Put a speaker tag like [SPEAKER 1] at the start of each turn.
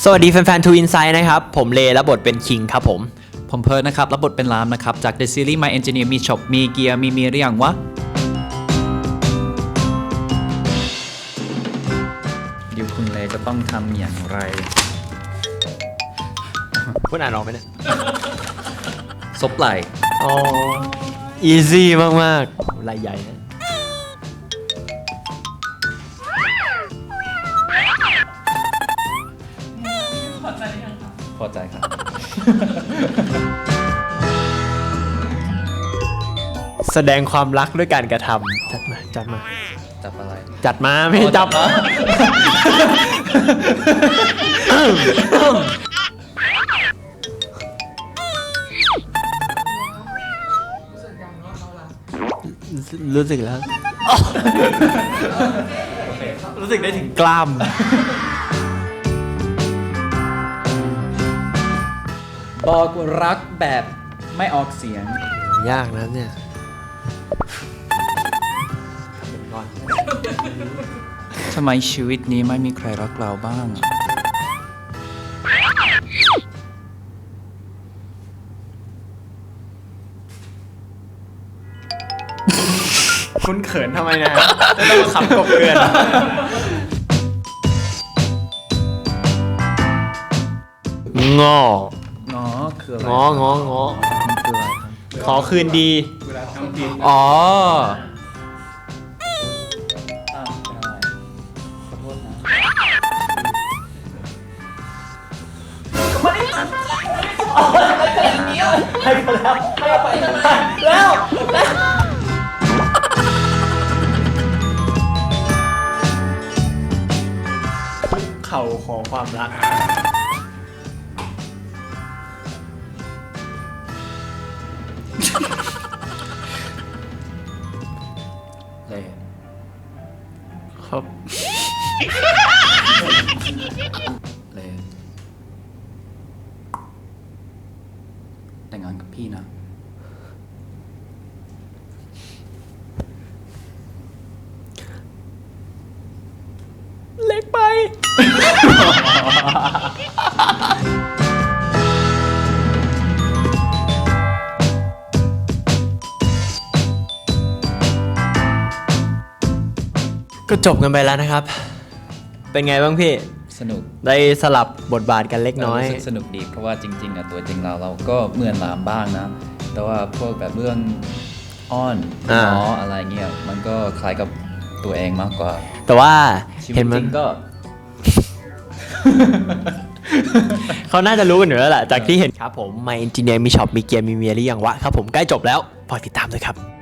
[SPEAKER 1] วัสดีแฟนๆ ทูอินไซด์นะครับผมเลรับบทเป็นคิงครับผม
[SPEAKER 2] เพิร์ดนะครับรับบทเป็นรามนะครับจาก The Series My Engineer มีช็อปมีเกียร์มีหรือยังวะเดี๋ยวคุณเลจะต้องทำอย่างไร
[SPEAKER 1] คุณอ่านออกไหมเนี่ย
[SPEAKER 2] ซบไหล
[SPEAKER 1] อ๋ออีซี่มากๆไหลใหญ่นะ
[SPEAKER 2] พอใจครับ
[SPEAKER 1] แสดงความรักด้วยการกระทำจัดมา
[SPEAKER 2] จับอะไร
[SPEAKER 1] จัดมาไม่จับรู้สึกแล้วรู้สึกได้ถึงกล้าม
[SPEAKER 2] บอกรักแบบไม่ออกเสียง
[SPEAKER 1] ยากนะเนี่ย
[SPEAKER 2] ทำไมชีวิตนี้ไม่มีใครรักเราบ้าง
[SPEAKER 1] คุณเขินทำไมนะไม่ต้องขำกบเกลือนงอง
[SPEAKER 2] อคืออะไร
[SPEAKER 1] ง
[SPEAKER 2] คืออะไร
[SPEAKER 1] ขอคืนดี
[SPEAKER 2] อ๋อขอโทษนะ
[SPEAKER 1] ให้ไปแล้วให้ไปแล้วเข่าของความรัก
[SPEAKER 2] เลย
[SPEAKER 1] ครับ
[SPEAKER 2] เลยแต่งงานกับพี่นะ
[SPEAKER 1] เล็กไปก็จบกันไปแล้วนะครับเป็นไงบ้างพี่
[SPEAKER 2] สนุก
[SPEAKER 1] ได้สลับบทบาทกันเล็กน้อย
[SPEAKER 2] สนุกดีเพราะว่าจริงๆอ่ะตัวจริงเราก็เหมือนรามบ้างนะแต่ว่าพวกแบบเรื่องอ้อนง้ออะไรเงี้ยมันก็คล้ายกับตัวเองมากกว่า
[SPEAKER 1] แต่ว่า
[SPEAKER 2] เห็นมันก็
[SPEAKER 1] เขาน่าจะรู้กันอยู่แล้วแหละจากที่เห็นครับผม My Engineer มีช็อปมีเกียร์มีเมียหรือยังวะครับผมใกล้จบแล้วฝากติดตามด้วยครับ